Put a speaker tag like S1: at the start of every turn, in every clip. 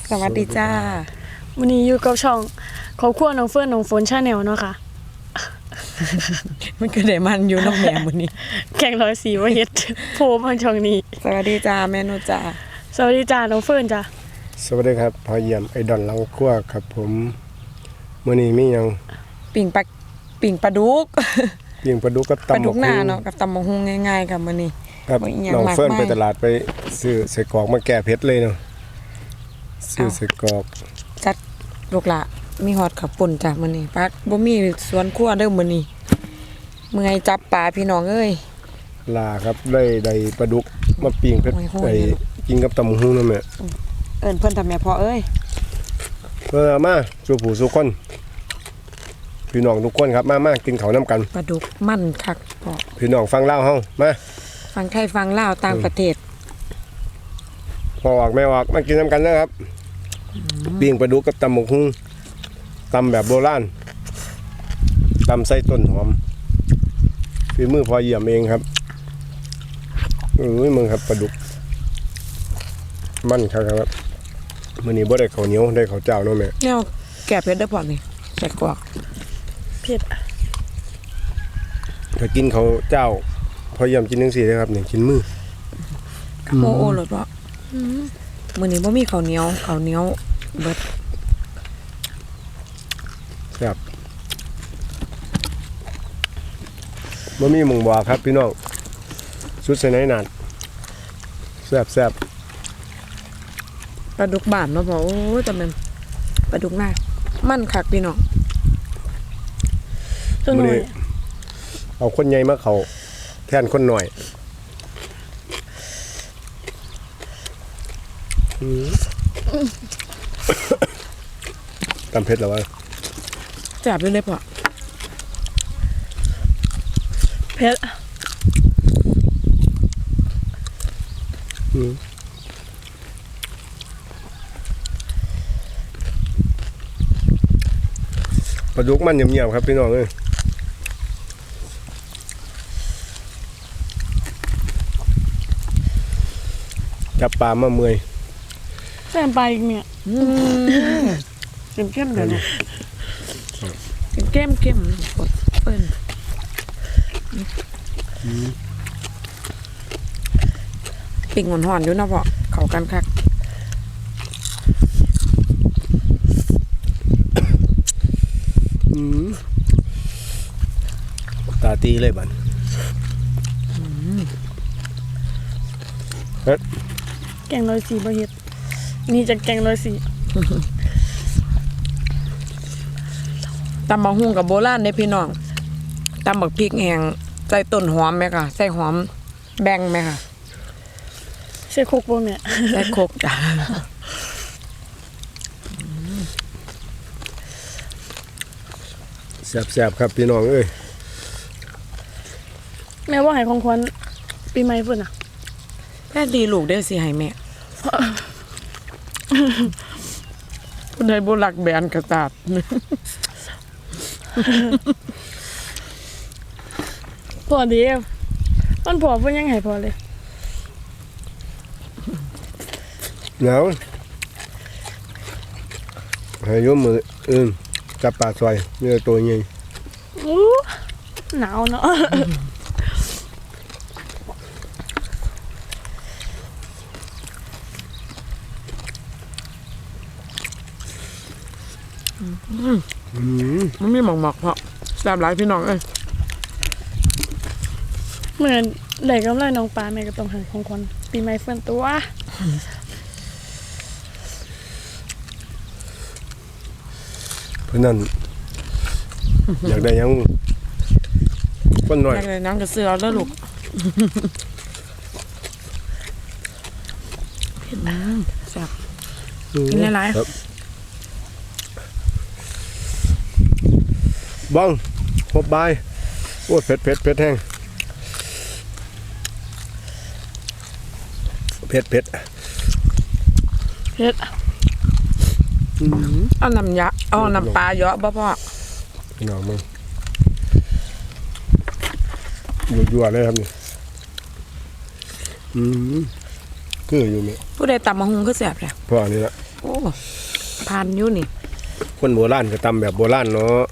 S1: สวัสดีจ้า
S2: วันนี้อยู่กับช่องครอบครัวน้องเฟิร์นน้องฝนชาแนลเนาะค่ะ
S1: มันก็ได้มันอยู่น้องแม่มื้อนี้
S2: แกงร้อยสีว่าเฮ็ด โพสต์ทางช่องนี้
S1: สวัสดีจ้าแม่นุจ้า
S2: สวัสดีจ้าน้องเฟิร์นจ้า
S3: สวัสดีครับพอเยี่ยมไอดอนหลังครัวครับผมมื้อนี้มีหยัง
S1: ปิ่งปลาดุก
S3: ปิ้งปลาดุกกับ
S1: ปลา
S3: ตำ
S1: ดุ
S3: บั
S1: ก
S3: ก
S1: หน้า
S3: หุ่ง
S1: เนาะกับตำบักหุ่งง่ายๆกับมื้อนี้
S3: ครับ
S1: บ่อีหยัง
S3: น้อง
S1: มาก
S3: เฟิร์น
S1: มาย
S3: ไปตลาดไปซื้อใส่กรอกมาแก้เผ็ดเลยเนาะซื้อใส่กรอก
S1: จัดลูกหละมีฮอดข้าวปุ่นจ้ะมื้อนี้ปักบ่มีสวนครัวเด้อมื้อนี้เมื่อยจับปลาพี่น้องเอ้ย
S3: ลาครับได้ปลาดุกมาปิ้งเผ็ด
S1: โอ้ยโห
S3: ไอ้กินกับตำบักหุ่งนั่นแหละ
S1: เอิ้นเพิ่นทำแม่พ่อเอ้ย
S3: เพิ่นเอามาสู่ผู้สู่คนพี่น้องทุกคนครับมากินข้าวนํกัน
S1: ปลาดุกมันคักพ่อ
S3: พี่น้องฟังเล่าวเฮามา
S1: ฟังไทยฟังลาวต่างประเทศ
S3: พ่อออกแม่ออกมากินนํกันเด้อครับปิ้งปลาดุกกับตำบักหุ่งตำแบบโบราณตำใส่ต้นหอมฝีมือพอเยี่ยมเองครับมึงครับปลาดุกมันครับมื้อนี้บ่ได้ข้าวเหนียวได้ข้าวเจ้าเนาะแม่
S1: แนวแก่เผ็ดเด้อพ่อนี่ใส่กรอก
S2: เผ็ด
S3: ถ้ากินข้าวเจ้าพอเยี่ยมกินจังซี่เด้อครับนี่กินมือ
S1: โอ้โอ้เลยพ่อมื้อนี้บ่มีข้าวเหนียวเบิด
S3: ครับบ่มีหมุงบ่ครับพี่น้องสุดใส่ไหนนานแซ่บ
S1: ปลาดุกบ้านเนาะพ่อโอ้ยแต่มันปลาดุกหน้ามันคักพี่น้อง
S2: ตัวหน่อย
S3: เอาคนใหญ่มาเข้าแทนคนหน่อยตำเผ็ดแล้ววะ
S1: แซ่บอยู่เลยพ่อ
S2: เผ็ด
S3: ปลาดุกมันเงียบๆครับพี่น้องเอ้ยจับปลามาเมื่อย
S2: แซ่บไปอีกเนี่ยเข้มๆเดี๋ยวนะ
S1: เข้มกดเปิ้นปิ่งหอนๆอยู่เนาะพ่อเข้ากันคัก
S3: ตาตีเลยบัน
S2: แกงร้อยสีบ่เฮ็ดนี่จะแกงร้อยสี
S1: ตำบักหุ่งกับโบราณเด้พี่น้องตำบักพริกแห้งใส่ต้นหอมไหมค่ะใส่หอมแบ่งไหมค่ะ
S2: ใส่คุกบ่แม่
S1: ใส่โคกจ้ะ
S3: แซ่บๆครับพี่น้องเอ้ย
S2: แม่ว่าให้ของขวัญปีใหม่เพิ่นน่ะ
S1: แม่ดีลูกได้อสิให้แม่ผู้ใดบ่รักแบนกระตาด
S2: พอดีมันพอเพิ่นยังให้พอเลย
S3: หนาวให้ยกมือจับปลาซอยนี่ตัวใหญ่
S2: อู้หนาวเนาะ
S1: มันมีหมอกๆเพราะแซ่บหลายพี่น้องเอ้ย
S2: เหมือนได้กำไรน้องปลาแม่ก็ต้องให้ของขวัญปีใหม่เพิ่นตัว
S3: เพราะนั้นอยากได้หยังคนหน่อย
S1: อยากได้หนังกระเสือแล้วลูกแซ่บ กินหลายๆ
S3: ครับบ้องพบบายโอ้ยเผ็ดแห้งเผ็ด
S2: เฮ็ด
S1: เอาน้ำยะเอาน้ำปลาเยอะบ่พ่อ
S3: พี่น้องมึงยั่วๆเลยครับนี่คืออยู่นี่
S1: ผู้ใดตำมะฮุงคือแซ่บแหละ
S3: พ่อนี่ละ
S1: โอ้ผ่านอยู่นี่
S3: คนโบราณก็ตำแบบโบราณเนาะ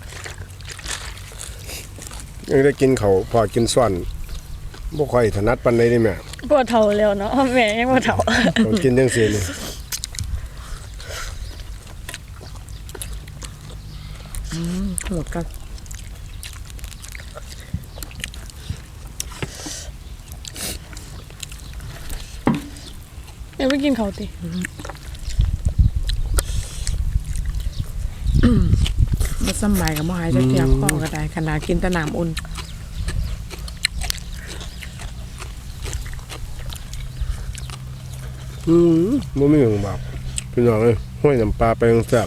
S3: ยังได้กินเขาวพอกินส่วนบ่ค่อยถนัดปานใดนี่แม่
S2: ปวดเท่าแล้วเนาะแม่ยังปวดเท่า
S3: ต้องกินจังซี่นี่
S1: หมดกัน
S2: เดี๋ยวไปกินเขาวติ
S1: มาสมัยกับมหายจะเกียบข้อก็ได้ขนาดกินแตะน้ำอุ่น
S3: บ่มีหยังแบบพี่น้องเอ้ยห้อยน้ำปลาไปจังแซ่บ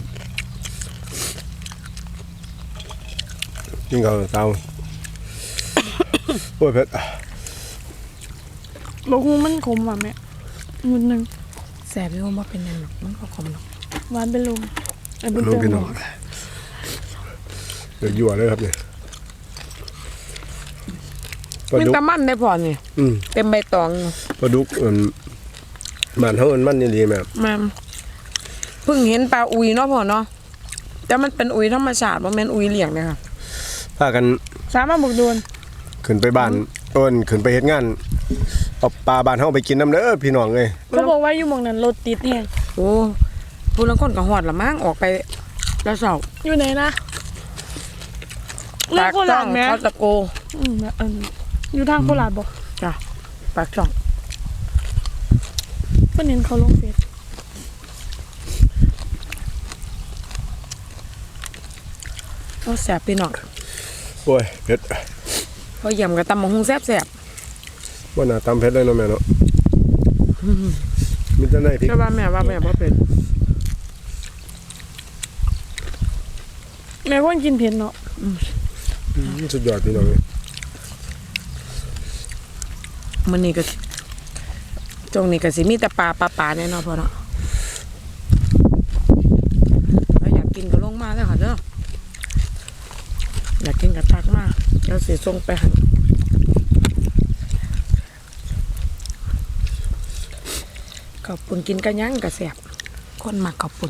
S3: กินข้าวเช้าโอ้ยเผ็ด
S2: บอกฮูมันขมว่ะแม่มุดหนึง
S1: แสบอยู่ว่าเป็นยังหรอกมันก็ขมหรอก
S2: หวานเป็นลมไอ้บุญ
S3: น้อง
S2: เติม
S3: พี่น้องเดือดยั่วเลยครับเนี่ยปลา
S1: มัน
S3: ดุก
S1: ตะมันได้พอนี่ เต็มใบตองอยู่
S3: ปลาดุกบ้านเฮามันนี่ดีแม่
S1: แม่เพิ่งเห็นปลาอุยเนาะพ่อเนาะแต่มันเป็นอุยธรรมชาติบ่แม่นอุยเลี้ยงเลยค่ะ
S3: พากัน
S2: สามารถบุกโดน
S3: ขึ้นไปบ้านขึ้นไปเฮ็ดงานเอาปลาบ้านเฮาไปกินน้ำเด้อพี่น้องเอ้ย
S2: เขาบอกว่าอยู่หมองนั้นรถติดแฮง
S1: โอ้ผู้ลางคนก็ฮอดละมั้งออกไปแล้วเช้า
S2: อยู่ไหนนะเรื่องโคราชแม่
S1: เขาตะโก
S2: อยู่ทางโคราชบ่
S1: จ้ะปากช่อง
S2: เพิ่นเห็นเขาลงเฟซ
S1: โอ้แสบพี่น้อง
S3: โอ้ยเผ็ด
S1: พอเยี่ยมกับตำบักหุ่งแซ่บ
S3: ว่าน่าตำเผ็ดเลยเนาะแม่เนาะมีแต่ในพริ
S1: ๆ
S3: ก
S1: แต่ว่าแม่บ่เป็น
S2: แม่คนกินเผ็ดเนาะ
S3: สุดยอดพี่น้องเอ้ย
S1: มื้อนี้ก็จงนี้ก็สิมีแต่ปลาแน่เนอนพ่อเนาะแล้วอยากกินก็ลงมาแล้วค่ะเด้ออยากกินก็ทักมาเดี๋ยวสิส่งไปให้ขอบคุณกินกันยังก็แซ่บคนมักขอบคุณ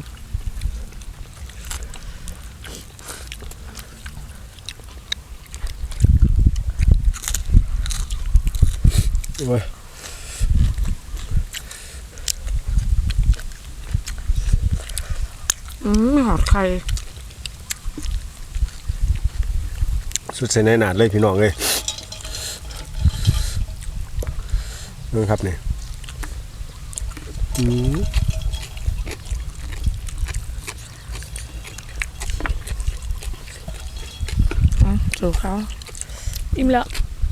S3: โอ้ย
S1: หอดไข่
S3: สุดเส้นในหนาดเลยพี่น้องเอ้ยนี่ครับนี่
S1: สู่เขา
S2: อิ่มแล้ว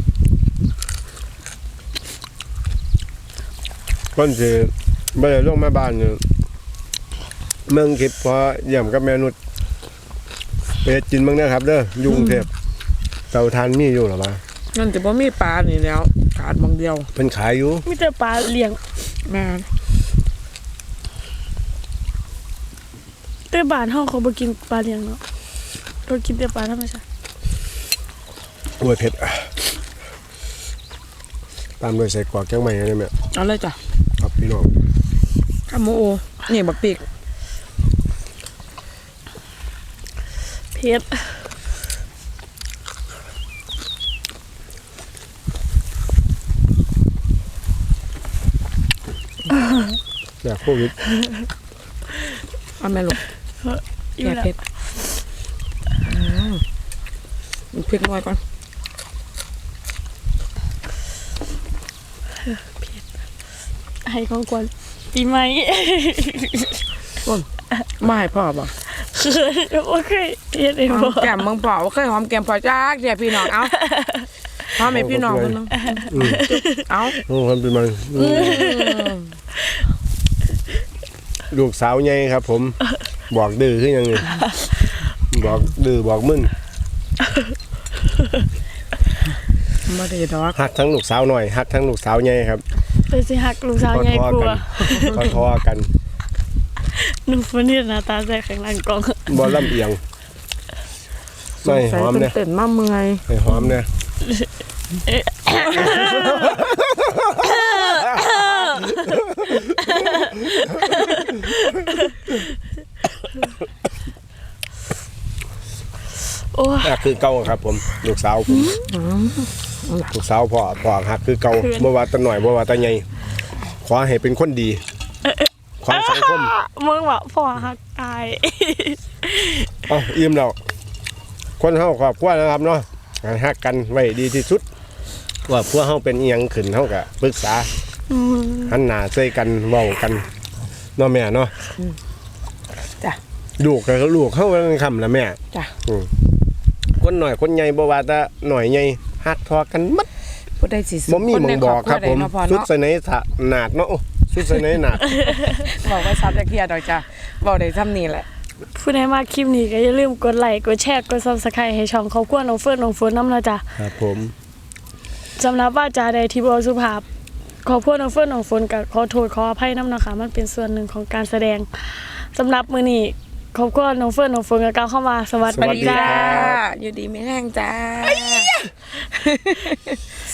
S3: ก่อนสิบ่ได้ลงมาบ้านเนี่ยเมืองคิดพอเยี่ยมกับแม่นุชไปเฮ็ดกินเบิ่งนะครับเด้ออยู่กรุงเทพเตาถ่านมีอยู่หรอวะ
S1: นั่นจะบ่มีปลานี่แล้วขาดบางเดียว
S3: เพิ่นขายอยู่
S2: มีแต่ปลาเลี้ยง
S1: แม่
S2: แต่บ้านเฮาเขาบ่กินปลาเลี้ยงเนาะเขากินแต่ปลาธรรมชาติ
S3: โอ้ยเผ็ดตามด้วยใส่กรอกแกงใหม่ได้ไหม
S1: เอาเลยจ้ะ
S3: ครับพี่น้อง
S1: ข้าวหมูโอนี่บักปีก
S2: เผ็ด
S3: อยากโควิด
S1: เอาแม่ลูก
S2: อิ่ม
S1: แก่
S2: แล้ว
S1: เผ็ดมันพริกน้อยก่อน
S2: ให้ของกวนปีใหม่
S1: ไม่ให้พ่อบอก
S2: โอเคเฮ็ดเอง
S1: หอ
S2: บ่
S1: มแก้มมึงพ่อเคยหอมแก้มพ่อจ้าเดี๋ยวพี่น้องเอาหอมให้พี่น้องคนนึงเอา
S3: โอ้คนเป็นมันลูกสาวใหญ่ครับ ผมบอกดื้อขึ้นยังไงบอกดื้อบอกมึน
S1: ไม่ได้ดอก
S3: หักทั้งลูกสาวหน่อยหักทั้งลูกสาวใหญ่ครับ
S2: แต่สิฮักลูกสาวใหญ่กว่า
S3: ทอกัน
S2: หนูคนนี้หน้าตาใส่ข้างหลังกล่อง
S3: บอลลำเอียงไม่หอมเนี่ย
S1: เต้นมาเมื่อย
S3: ไม่หอมเนี่ย
S2: โอ้ย
S3: ฮักคือเก่าครับผมลูกสาวผมลูกสาวพ่อฮักคือเก่าบ่ว่าตาหน่อยบ่ว่าตาใหญ่ขอให้เป็นคนดีขอให้สังคม
S2: มึงว่าพ่อฮักอาย
S3: เอ้าอิ่มแล้วคนเฮาครอบครัวนะครับเนาะฮักกันไว้ดีที่สุดว่าพวกเฮาเป็นอีหยังขึ้นเฮาก็ปรึกษาหันหน้าใส่กันเว้ากันเนาะแม่เนาะ
S1: จ้ะ
S3: ลูกก็ลูกเฮามันคำละแม่
S1: จ้ะ
S3: คนหน่อยคนใหญ่บ่ว่าแต่หน่อยใหญ่ฮักทอกันหมด
S1: ผู้ใดสิ
S3: บ่มีหมองบอกครับผม
S1: นในครอบครัวใดเนาะพ่อ
S3: สุด
S1: เนาะ
S3: ใส่ในหนาดเนาะโอ้สุดใส่ในหนาด
S1: บอกว่าซับจะเคลียร์ดอกจ้ะบอกได้ซ้ำนี่แหละ
S2: ผู้ใดมาคลิปนี้ก็อย่าลืมกดไลค์กดแชร์กด Subscribe ให้ช่องครอบครัวน้องเฟิร์นน้องฝนนำเนาะจ้ะ
S3: ครับผม
S2: สำหรับว่าจาใดที่บ่สุภาพขอโทษน้องเฟิร์นน้องฝนก็ขอโทษขออภัยนำนะคะมันเป็นส่วนหนึ่งของการแสดงสำหรับมื้อนี้ครอบครัวน้องเฟิร์นน้องฝนก็กล่าวเข้ามาสวัสดีจ้า
S1: อยู่ดีไม่แห้งจ้า